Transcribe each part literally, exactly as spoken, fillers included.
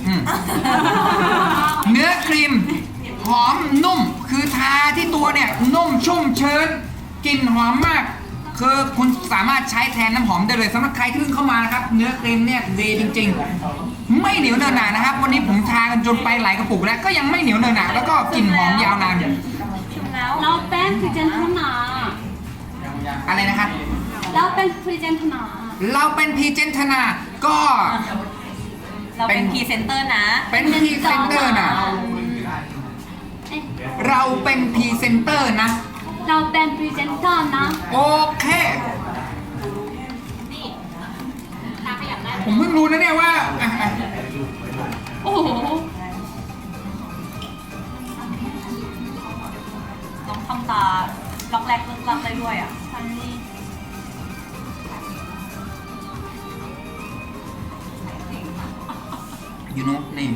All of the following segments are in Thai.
เนื้อครีมหอมนุ่มคือทาที่ตัวเนี่ยนุ่มชุ่มชื้นกลิ่นหอมมากคือคุณสามารถใช้แทนน้ำหอมได้เลยสำหรับใครที่เพิ่งเข้ามานะครับเนื้อครีมเนี่ยดีจริงๆไม่เหนียวเนอะหนานะครับวันนี้ผมทากันจนไปหลายกระปุกแล้วก็ยังไม่เหนียวเนอะหนาแล้วก็กลิ่นหอมยาวนานเราเป็นพรีเซนเตอร์นาอะไรนะครับเราเป็นพรีเซนเตอร์นาเราเป็นพรีเจนทนาก็เราเป็นพรีเซนเตอร์นะเป็นพรีเซนเตอร์นะเราเป็นพรีเซนเตอร์นะเราเป็นพรีเซนเตอร์นะโอเคผมเพิ่งรู้นะเนี่ยว่าอ่ะอ่ะโอ้โหน้องทำตาล็อกแรกเลิกลักได้ด้วยอ่ะยูโนนี่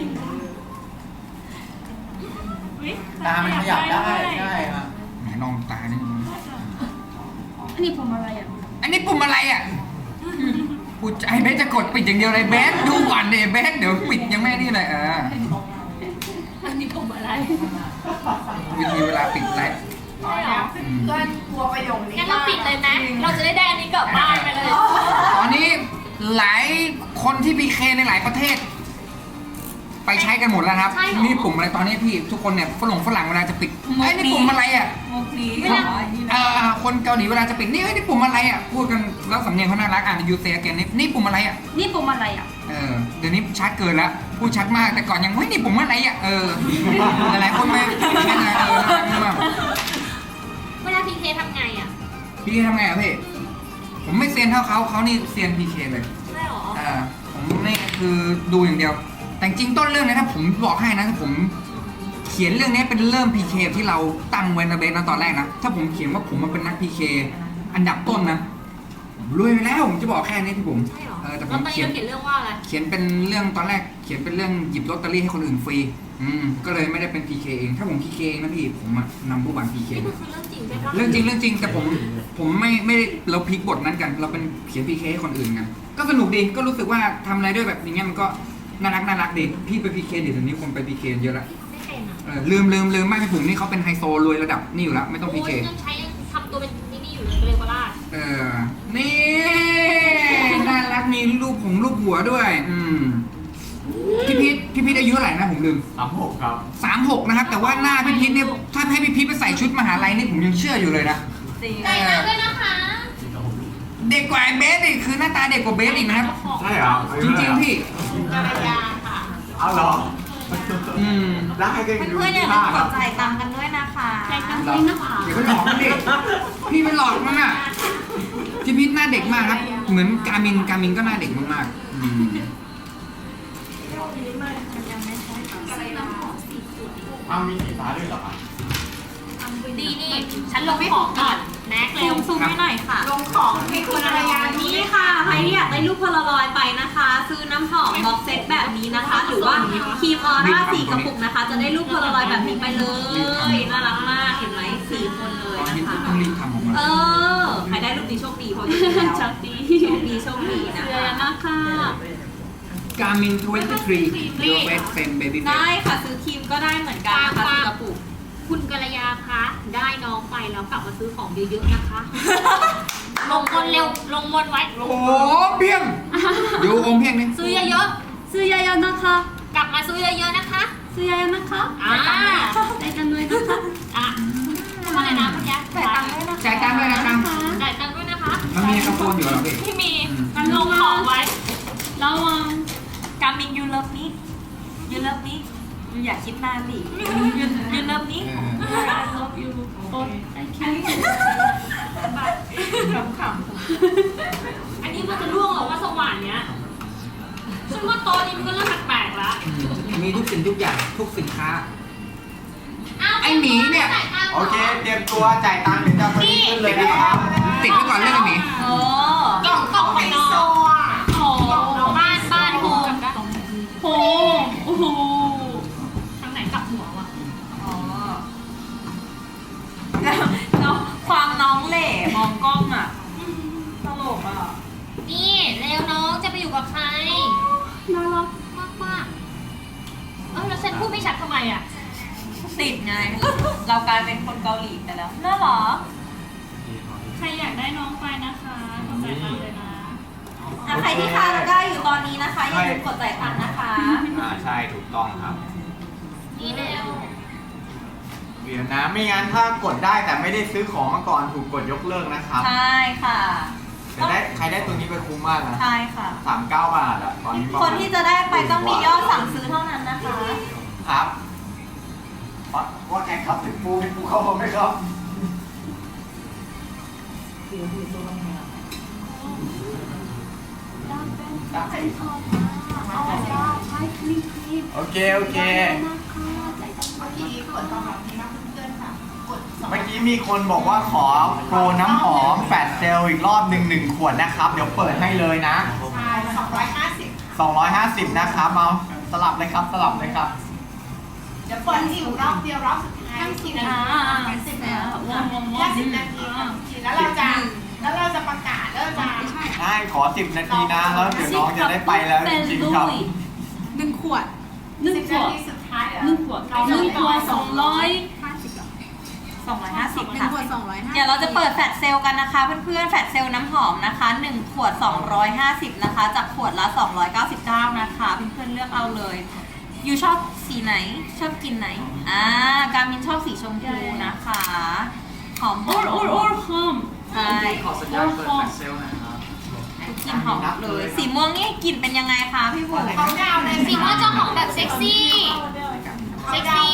ตามันขยับได้ใช่ครับไหนลองตานี่อันนี้ผมอะไรอ่ะอันนี้ปุ่มอะไรอ่ะพูดไอ้เบสจะกดปิดอย่างเดียวเลยเบสดูก่อนเดเบสเดี๋ยวปิดยังไม่นี่เลยเอออันนี้ผมอะไรวิธีเวลาปิดไลฟ์เพื่อนกลัวประโยคนี้งั้นเราปิดเลยไหมเราจะได้ได้อันนี้กลับบ้านไปเลยตอนนี้หลายคนที่พีเคในหลายประเทศ ไปใช้กันหมดแล้วครับ นี่ปุ่มอะไรตอนนี้พี่ทุกคนเนี่ยฝรั่งฝรั่งเวลาจะปิดไอ้ยนี่ปุ่มอะไรอ่ะมุกนี้เออคนเกาหลีเวลาจะปิดนี่เอ้ยนี่ปุ่มอะไรอ่ะพูดกันแล้วสำเนียงเขาน่ารักอ่านยูเซแกนนี่นี่ปุ่มอะไรอ่ะนี่ผมอะไรอ่ะเออเดี๋ยวนี้ชัดเกินแล้วพูดชัดมากแต่ก่อนยังเฮ้ยนี่ปุ่มอะไรอ่ะเออหลายๆคนไม่ใช่ไงเออน่ารักมากเวลาพีเคทำไงอ่ะพี่ทำไงอ่ะพี่ผมไม่เซียนเท่าเขาเขานี่เซียนพีเคเลยไม่หรอเออผมนี่คือดูอย่างเดียว แต่จริงต้นเรื่องนะถ้าผมบอกให้นะถ้าผมเขียนเรื่องนี้เป็นเริ่ม พี เค ที่เราตั้งไว้นะเบสนะตอนแรกนะถ้าผมเขียนว่าผมมาเป็นนัก พี เค อันดับต้นนะผมรวยไปแล้วผมจะบอกแค่นี้ที่ผมเออแต่ผมเขียนเขียนเรื่องว่าอะไรเขียนเป็นเรื่องตอนแรกเขียนเป็นเรื่องหยิบลอตเตอรี่ให้คนอื่นฟรีอืมก็เลยไม่ได้เป็น พี เค เองถ้าผม พี เค เองนะพี่ผมอะนำผู้บัน พี เคนี่คือเรื่องจริงใช่ปะเรื่องจริงเรื่องจริงแต่ผมผมไม่ไม่ได้เราพลิกบทนั้นกัน เราเป็นเขียน พี เค ให้คนอื่นกันก็สนุกดีก็รู้สึกว่าทำอะไรด้วยแบบอย่างเงี้ยมันก็น่ารักน่ารักดีพี่ไป พี เค เดี๋ยวนี้คนไป พี เค เยอะละไม่เป็นอ่ะเออลืมลืมลืมไม่พี่ผมนี่เขาเป็นไฮโซรวยระดับนี่อยู่แล้วไม่ต้อง พี เคโยยังใช้ยังทำตัวเป็นนี่นี่อยู่เลยเรียกว่าลาดเออนี่น่ารักมีรูปผมรูปหัวด้วยอืมพี่พีทพี่พีทอายุเท่าไหร่นะผมลืมสามหกครับสามหกนะครับแต่ว่าหน้าพี่พีทเนี่ยถ้าให้พี่พีทไปใส่ชุดมหาลัยนี่ผมยังเชื่ออยู่เลยนะจริงใส่น้ำด้วยนะคะเด็กกว่าไอ้เบสอีกคือหน้าตาเด็กกว่าเบสอีกนะครับใช่เหรอจริงๆพี่ภรรยาค่ะเอาเหรออืมได้กันเพื่อนๆอย่าลืมกดจ่ายตังค์กันด้วยนะคะใส่น้ำด้วยนะคะเดี๋ยวไปหลอกมันดิพี่ไปหลอกมันอ่ะพี่พีทหน้าเด็กมากครับ เหมือนกามินกามินก็หน้าเด็กมากๆอืมเอามีสีฟ้าด้วยเหรอครับดีนี่ ฉันลงของก่อนแม็กเร็วซูมให้หน่อยค่ะลงของให้คุณภรรยานี่ค่ะ ใครที่อยากได้รูปโพลารอยด์ไปนะคะ ซื้อน้ำหอมบ็อกเซตแบบนี้นะคะ หรือว่าครีมออร่าสี่กระปุกนะคะ จะได้รูปโพลารอยด์แบบนี้ไปเลย น่ารักมากเห็นไหมสี่คนเลยตอนนี้นะคะต้องรีบทำออกมาเออ ใครได้รูปนี้โชคดีเพราะอยู่แล้วโชคดีโชคดีโชคดีนะเดือคะนนะคะกามินทเวนตี้ทรียูเฟสเฟนเบบี้เฟสได้ค่ะ ซื้อครีมก็ได้เหมือนกันนะคะสี่กระปุกคุณกัลยาคะ ได้น้องไปแล้วกลับมาซื้อของเยอะๆนะคะ ลงบนเร็ว ลงบนไว้ลงโอ้โหเพียงดูอมเพียงนี่ซื้อเยอะซื้อเยอะๆนะคะๆ กลับมาซื้อเยอะๆนะคะซื้อเยอะๆนะคะอ่าได้กันด้วยนะคะอ่ะทำอะไรนะคุณยายจ่ายตังค์ด้วยนะจ่ายตังค์ด้วยนะครับจ่ายตังค์ด้วยนะคะมันมีกระโปรงอยู่เหรอพี่ที่มีกันลงของไว้ระวังกามินยูเลิฟนี้ยูเลิฟนี้ยูอยากคิดนานดิยูยูเลิฟนี้เออ I love you but I can't ขำอันนี้มันจะร่วงเหรอว่าสว่านเนี้ยฉันว่าโต๊ะนี้มันก็เริ่มแปลกๆแล้วอืมมีทุกสิ่งทุกอย่างทุกสินค้าอ้าวไอ้หมีเนี่ยจ่ายตังค์หรโอเค เตรียมตัวจ่ายตังค์เดี๋ยวจะไปขึ้นเลยนะครับติดไว้ก่อนเรื่องไอ้หมีๆโอ้กล่องกล่องไฮโซอ่ะโอ้บ้านบ้านโฮมโหโอ้โหทางไหนกลับหัววะอ๋อแล้วแล้วความน้องเหล่มองกล้องอ่ะตลกอ่ะนี่เร็วน้องจะไปอยู่กับใครน่ารักมากมากติดไง เรากลายเป็นคนเกาหลีไปแล้วน่าหรอใครอยากได้น้องไปนะคะกดจ่ายตังค์เลยนะอ่ะใครที่ค้าเราได้อยู่ตอนนี้นะคะอย่าลืมกดจ่ายตังค์นะคะอ่าใช่ถูกต้องครับนี่เร็วเดี๋ยวนะไม่งั้นถ้ากดได้แต่ไม่ได้ซื้อของมาก่อนถูกกดยกเลิกนะครับใช่ค่ะแต่ได้ใครได้ตัวนี้ไปคุ้มมากนะใช่ค่ะสามเก้าบาทอะตอนนี้ประคมาณนที่จะได้ไปต้องมียอดสั่งซื้อเท่านั้นนะคะครับว่าว่าไงครับถึงปูเป็นปูเข้ามาไหมครับโอเคโอเคเมื่อกี้ผลตอบรับดีมากเพื่อนๆค่ะกดสองเมื่อกี้มีคนบอกว่าขอโปรน้ำหอมแฟลชเซลล์อีกรอบหนึ่งหนึ่งขวดนะครับ เดี๋ยวเปิดให้เลยนะใช่สองร้อยห้าสิบสองร้อยห้าสิบนะครับมาสลับเลยครับสลับเลยครับเดี๋ยวเปิดอีกรอบเดียวรอบสุดท้ายสิบนาทีสิบนาทีแค่สิบนาทีค่ะแล้วเราจะแล้วเราจะประกาศแล้วจะได้ขอสิบนาทีนะ แล้วเดี๋ยวน้องจะได้ไปแล้วจริงๆครับหนึ่งขวดหนึ่งสิบขนาวดทีสุดท้ายหนึ่งขวดหนึ่งขวดสองร้อยสองร้อยห้าสิบหนึ่งค่ะขวดสองร้อยห้าเดี๋ยวเราจะเปิดแฟลชเซลล์กันนะคะเพื่อนๆแฟลชเซลล์น้ำหอมนะคะหนึ่งขวดสองร้อยห้าสิบนะคะจากขวดละสองร้อยเก้าสิบเก้านะคะเพื่อนๆเลือกเอาเลยยูชอบสีไหนชอบกินไหนอ่าการมินชอบสีชมพูนะคะหอมหอ all ม all all home ใช่ขอสัญญาณเปิดแฟลชเซลล์นะครับกลิ่นหอมเลย สีม่วงนี่กลิ่นเป็นยังไงคะพี่บุ๋มเขาดาวในสีม่วงจะหอมแบบเซ็กซี่เซ็กซี่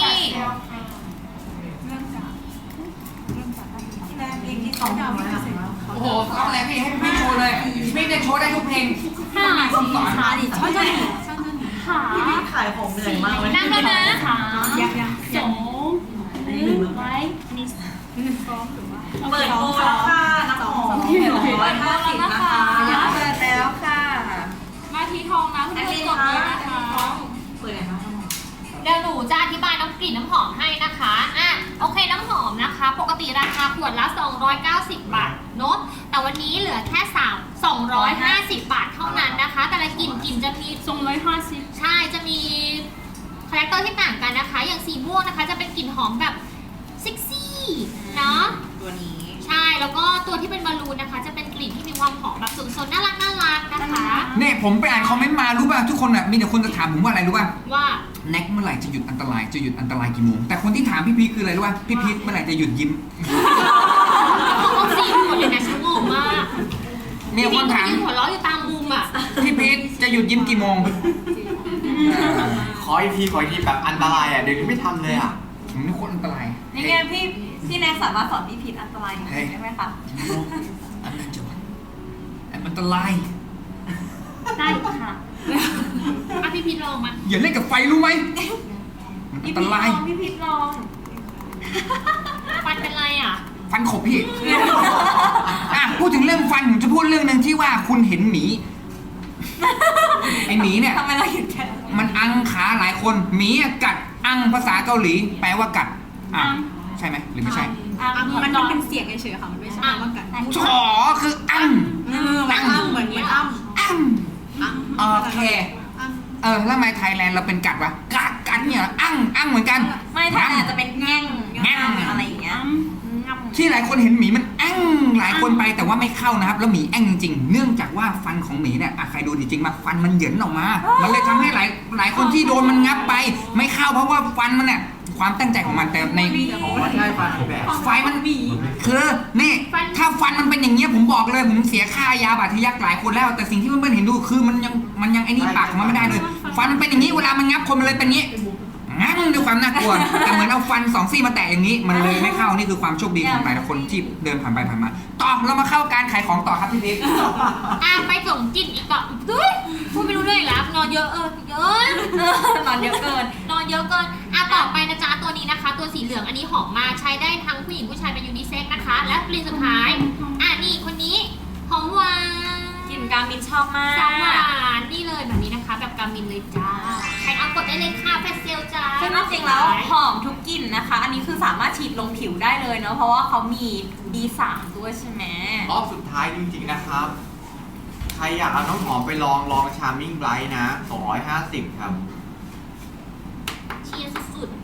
โอ้โหต้องอะไรพี่ให้พี่โชว์เลยพี่จะโชว์ได้ทุกเพลงห้าต้องสอนสี่천천히หาขายของเหนื่อยมากเลยนั่งแล้วนะสามสองหนึ่งไว้อันนี้ซ้อมหรือว่าเปิดโปรแล้วค่ะน้ำหอมเปิดหนึ่งร้อยห้าสิบนะคะเปิดแล้วค่ะมาทีทองนะเพื่อนๆกดเลยนะคะเปิดไหนบ้างเดี๋ยวหนูจะอธิบายน้ำกลิ่นน้ำหอมให้นะคะอ่ะโอเคน้ำหอมนะคะ ปกติราคาขวดละสองร้อยเก้าสิบบาทเนอะแต่วันนี้เหลือแค่สาม สองร้อยห้าสิบบาทเท่านั้นนะคะ แต่ละกลิ่นกลิ่นจะมีสองร้อยห้าสิบใช่ จะมีคาแรคเตอร์ที่ต่างกันนะคะ อย่างสีม่วงนะคะ จะเป็นกลิ่นหอมแบบเซ็กซี่เนาะตัวนี้ใช่ แล้วก็ตัวที่เป็นบอลลูนนะคะ จะเป็นกลิ่นที่มีความหอมแบบสุนทรน่ารักน่ารักนะคะเนี่ยผมไปอ่านคอมเมนต์มารู้ป่ะทุกคนอ่ะมีแต่คนจะถามผมว่าอะไรรู้ป่ะว่าแน็กเมื่อไหร่จะหยุดอันตรายจะหยุดอันตรายกี่โมงแต่คนที่ถามพี่พีชคืออะไรรู้ป่ะพี่พีชเมื่อไหร่จะหยุดยิ้มเขาเอาสีหมดเลยนะฉันงงมากมีคนถามยืนหัวเราะอยู่ตามมุมอ่ะพี่พีชจะหยุดยิ้มกี่โมงขออีกทีขออีกทีแบบอันตรายอ่ะเดี๋ยวนี้ไม่ทำเลยอ่ะผมนี่โคตรอันตรายนี่ไงพี่พี่แน็กสามารถสอนพี่พีทอันตรายอย่างนี้ได้ไหมคะอันนั้นจะอันตรายได้ค่ะอ่ะพี่พีทลองมาอย่าเล่นกับไฟรู้ไหมมันอัพี่นตพีทลรายองพี่พีทลองฟันเป็นไรอ่ะฟันขบพี่ อ่ะพูดถึงเรื่องฟันผมจะพูดเรื่องหนึ่งที่ว่าคุณเห็นหมี ไอหมีเนี่ยทำไมเราหยุดแค่มันอังขาหลายคนหมีอะกัดอังภาษาเกาหลี แปลว่ากัดอ่ะใช่ไหมหรือไม่ใช่มันเป็นเสียงเฉยๆค่ะ มันไม่ใช่ว่ากันฉอคืออังเออมันอ้ำเหมือนเหมือนอ้ำอังอ้ำโอเคเออแล้วทำไมไทยแลนด์เราเป็นกัดวะกัดกัดเนี่ยอังอังเหมือนกันไม่ถ้าอาจจะเป็นแง่งแง่งอะไรอย่างเงี้ยที่หลายคนเห็นหมีมันแอ้งหลายคนไปแต่ว่าไม่เข้านะครับ แล้วหมีแอ้งจริงๆเนื่องจากว่าฟันของหมีเนี่ยอ่ะใครดูจริงๆมาฟันมันเหยินออกมา มันเลยทำให้หลายหลายคนที่โดนมันงับไป ไม่เข้าเพราะว่าฟันมันเนี่ยความตั้งใจของมันแต่ในอ๋อใช่ฟันแบบไฟมันคือนี่ถ้าฟันมันเป็นอย่างเงี้ยผมบอกเลยผมเสียค่ายาบาดทะยักหลายคนแล้ว แต่สิ่งที่เพื่อนๆเห็นดูคือมันยังมันยังไอ้นี่ปากของมันไม่ได้เลย ฟันมันเป็นอย่างนี้เวลามันงับคนมันเลยเป็นอย่างนี้งั้นด้วยความน่ากลัวแต่เหมือนเอาฟันสองซี่มาแตะอย่างนี้ มันเลยไม่เข้านี่คือความโชคดีของหลายคนที่เดินผ่านไปผ่านมาต่อเรามาเข้าการขายของต่อครับพี่พีชอ่ะไปส่งกลิ่นอีกต่อเฮ้ยพูดไม่รู้เรื่องอีกแล้วนอนเยอะเออเยอะนอนเยอะเกินนอนเยอะเกินอ่ะต่อไปนะจ๊ะตัวนี้นะคะ ตัวสีเหลืองอันนี้หอมมากใช้ได้ทั้งผู้หญิงผู้ชายเป็นยูนิเซ็กซ์นะคะ และกลิ่นสุดท้ายอ่ะนี่คนนี้หอมหวานกลิ่นการมินชอบมากสาวหวานนี่เลยแบบนี้นะคะ แบบกามินเลยจ้าใครเอากดได้เลยค่ะแฟชเซลจ้าซึ่งจริงๆแล้วหอมทุกกลิ่นนะคะ อันนี้คือสามารถฉีดลงผิวได้เลยเนาะ เพราะว่าเขามี บี สาม ด้วยใช่ไหมรอบสุดท้ายจริงๆนะครับ ใครอยากเอาน้ำหอมไปลองลองชาร์มิ่งไบรท์นะสองร้อยห้าสิบครับเชียร์สุดเ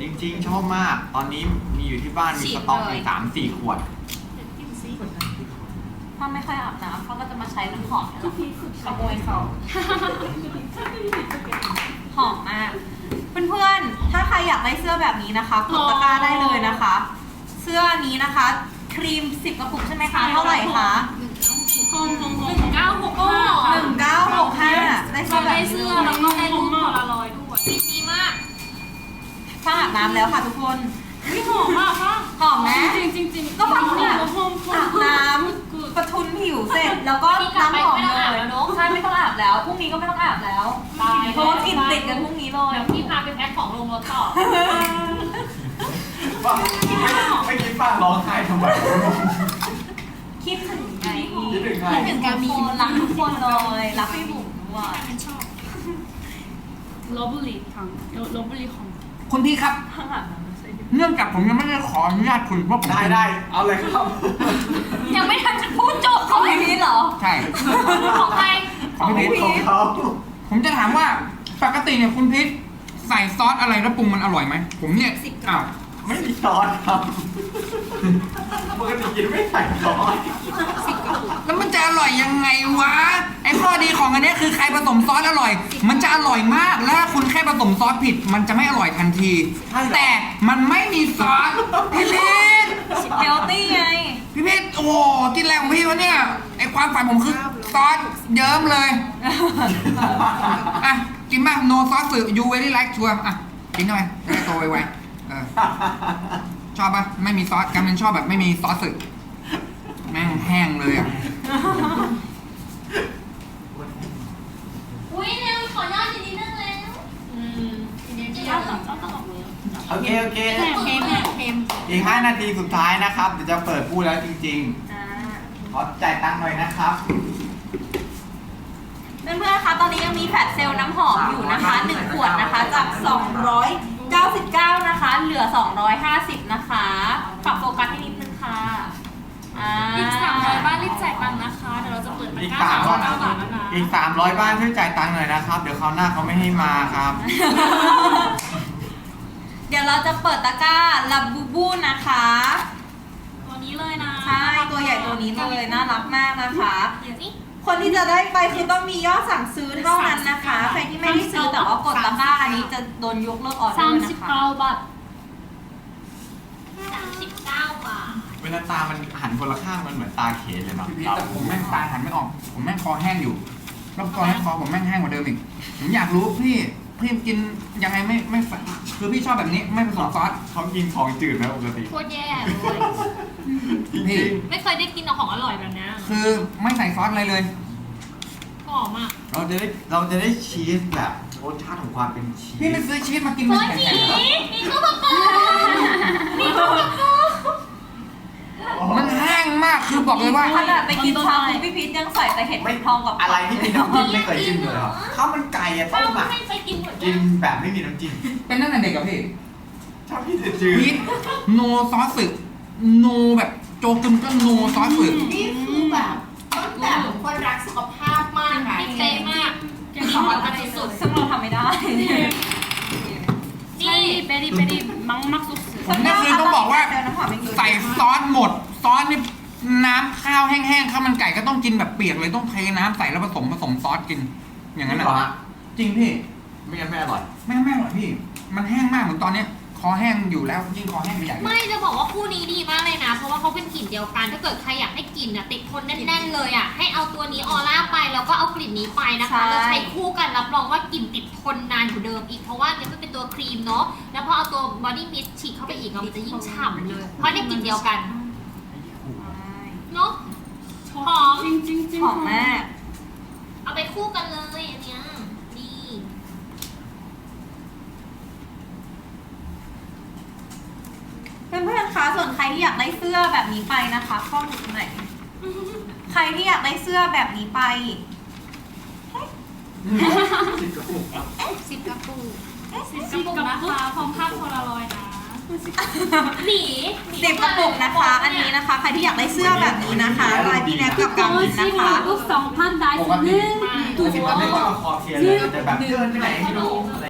จริงๆ ชอบมาก ตอนนี้มีอยู่ที่บ้านมีสต็อกอยู่สามสี่ขวดถ้าไม่ค่อยอาบน้ำเขาก็จะมาใช้น้ำหอมนี่แหละขโมยเขาหอมมาก เพื่อนๆ ถ้าใครอยากได้เสื้อแบบนี้นะคะกดตะกร้าได้เลยนะคะ เสื้อนี้นะคะ ครีมสิบกระปุกใช่ไหมคะ เท่าไหร่คะ 홈홈홈 หนึ่งเก้าหกห้าหนึ่งเก้าหกห้าได้เสื้อแบบได้นี้เสื้อเลแล้วยก็ได้รูปโพลารอยด์ด้วยดีมากถ้าอาบน้ำแล้วค่ะทุกคน 우리 홈 아, หอมไหม 찡찡찡 ก็ฟังเนี่ย 홈 อาบ 홈 น้ำประทุนผิวเสร็จแล้วก็น้ำหอมเลยใช่ไม่ต้องอาบแล้วพรุ่งนี้ก็ไม่ต้องอาบแล้วเพราะว่ากลิ่นติดกันพรุ่งนี้เลยเดี๋ยวพี่พาไปแพ็คของลงรถต่อว่าไม่คิดป้าร้องไห้ทำไมคิดถึงไงคิดถึงใครคิดถึงการมีรักทุกคนเลยรักพี่บุ๋มด้วย 러블리 탕 러블리 홈 คุณพี่ครับข้างหลังนั้นใส่ดิเนื่องจากผมยังไม่ได้ขออนุญาตคุณว่าผมได้เป็นได้เอาเลยครับยังไม่ทันจะพูดจบของพี่พีทเหรอใช่ของใครของพี่พีทของเขาผมจะถามว่าปกติเนี่ยคุณพีทใส่ซอสอะไรแล้วปรุงมันอร่อยไหมผมเนี่ยอ้าวไม่มีซอสครับปกติกินไม่ใส่ซอสแล้วมันจะอร่อยยังไงวะไอ้ข้อดีของอันเนี้ยคือใครผสมซอสอร่อย มันจะอร่อยมากแล้วถ้าคุณแค่ผสมซอสผิด มันจะไม่อร่อยทันที แต่มันไม่มีซอสพี่พีทเฮลตี้ไงพี่พีทโอ้โหกินแรงของพี่วะเนี่ยไอ้ความฝันผมคือซอสเยิ้มเลยอ่ะกินมากโนซอสสื่อยูเวลี่ไลค์ชัวอ่ะกินเข้าไปจะได้โตไวๆเออชอบปะไม่มีซอสกำลังชอบแบบไม่มีซอสสื่อแม่งแห้งเลยอ่ะอุ้ยเร็วขอยอดอีกนิดนึงแล้ว 음 짜다 짜다가 뭐예요 โอเค โอเค 햄 햄 햄 อีกห้านาทีสุดท้ายนะครับ เดี๋ยวจะเปิดพูดแล้วจริงอ่าๆ ขอจ่ายตังค์หน่อยนะครับเพื่อนๆ คะ ตอนนี้ยังมีแฟลชเซลล์น้ำหอมอยู่นะคะหนึ่งขวดนะคะ จาก สองร้อยเก้าสิบเก้า นะคะ เหลือ สองร้อยห้าสิบ นะคะปรับโฟกัสให้นิดนึงค่ะอ่าอีกสามร้อยบ้านรีบจ่ายตังค์นะคะ เดี๋ยวเราจะเปิดตะอีกกร้าสามสามร้ร้ออย ยเก้าบาทแล้วนะอีกสามร้อยบ้านช่วยจ่ายตังค์หน่อยนะครับ เดี๋ยวคราวหน้าเขาไม่ให้มาครับเดี๋ยวเราจะเปิดตะกร้าลับบูบูนะคะตัวนี้เลยนะใช่ ตัวใหญ่ตัวนี้เลย น่ารักมากนะคะเดี๋ยวสิคนที่จะได้ไปคือต้องมียอดสั่งซื้อเท่านั้นนะคะ ใครที่ไม่ได้ซื้อแต่ว่ากดตะกร้าอันนี้จะโดนยกเลิกออเดอร์นะคะ 삼십구 바ทสามสิบเก้าบาทเวลาตามันหันคนละข้างมันเหมือนตาเขนเลยเนาะพี่พีทแต่ผมแม่งตาหันไม่ออก ผมแม่งคอแห้งอยู่แล้วตอนนี้คอผมแม่งแห้งกว่าเดิมอีกผมอยากรู้พี่พี่กินยังไงไม่ไม่ใส่คือพี่ชอบแบบนี้ไม่ผสมซอสเขากินของจืดไหมปกติโคตรแย่เลยจริงพี่ไม่เคยได้กินของอร่อยแบบนี้คือไม่ใส่ซอสอะไรเลยหอมอ่ะๆเราจะได้เราจะได้ชีสแบบรสชาติของความเป็นชีสพี่ไปซื้อชีสมากินโคมันตรแข็หนีงมีข้าวผัดปูมีข้าวผัดปูๆมันแห้งมากคือบอกเลยว่าขนาดไปกินชาบูพี่พีทยังใส่แต่เห็ดไม่ทองกับอะไรที่มีน้ำจิ้มไม่เคยจิ้มเลยเหรอข้าวมันไก่อะต้ป้ามอะไม่ไปกินหมดกินแบบไม่มีน้ำจิ้มเป็นตั้งแต่เด็กกับพี่ชอบพี่จืดพีทโนซอสสึโนแบบโจกึมก็โนซอสสึนี่คือแบบต้นแบบของคนรักสุขภาพมากค่ะพี่เป๊ะมาก 깻 ขอกันสุดซึ่งเราทำไม่ได้ๆนี่ 찰리 베리 베리 막막 소스 ผมเนี่ยคือต้องบอกว่าเดี๋ยวน้ำหอมยังอยู่ใส่ซอสหมด ซอสนี่น้ำข้าวแห้งๆข้าวมันไก่ก็ต้องกินแบบเปียกเลยต้องเทน้ำใส่แล้วผสมผสมซอสกิน อย่างนั้นเหรอนะจริงพี่ไม่งั้นไม่อร่อยไม่ไม่อร่อยพี่ มันแห้งมากเหมือนตอนเนี้ยคอแห้งอยู่แล้วยิ่งคอแห้งไปใหญ่เลยไม่จะบอกว่าคู่นี้ดีมากเลยนะ เพราะว่าเขาเป็นกลิ่นเดียวกัน ถ้าเกิดใครอยากให้กลิ่นอ่ะติดทนแน่นๆเลยอ่ะ ให้เอาตัวนี้ออร่าไปแล้วก็เอากลิ่นนี้ไปนะคะใช่แล้วใช้คู่กันรับรองว่ากลิ่นติดทนนานกว่าเดิมอีก เพราะว่าเนี่ยมันเป็นตัวครีมเนาะ แล้วพอเอาตัวบอดี้มิสต์ฉีดเข้าไปอีกอะมันจะยิ่งฉ่ำเลย เพราะเนี่ยกลิ่นเดียวกัน เนาะ หอม 찡찡찡 หอมมากเอาไปคู่กันเลยอันเนี้ยดีเพื่อนๆ คะ ส่วนใครที่อยากได้เสื้อแบบนี้ไปนะคะเข้าดูตรงไหน ใครที่อยากได้เสื้อแบบนี้ไปสิบกระปุกสิบกระปุกนะคะพร้อมภาพโพลารอยด์นะหนีหนีสิบกระปุกนะคะ อันนี้นะคะ ใครที่อยากได้เสื้อแบบนี้นะคะลายพี่แน็กกับการมินนะคะ 한국 성판 다이스는 ปกติมันไม่ต้องเอาคอเทียนเลยแต่แบบเดินไปไหนไม่รู้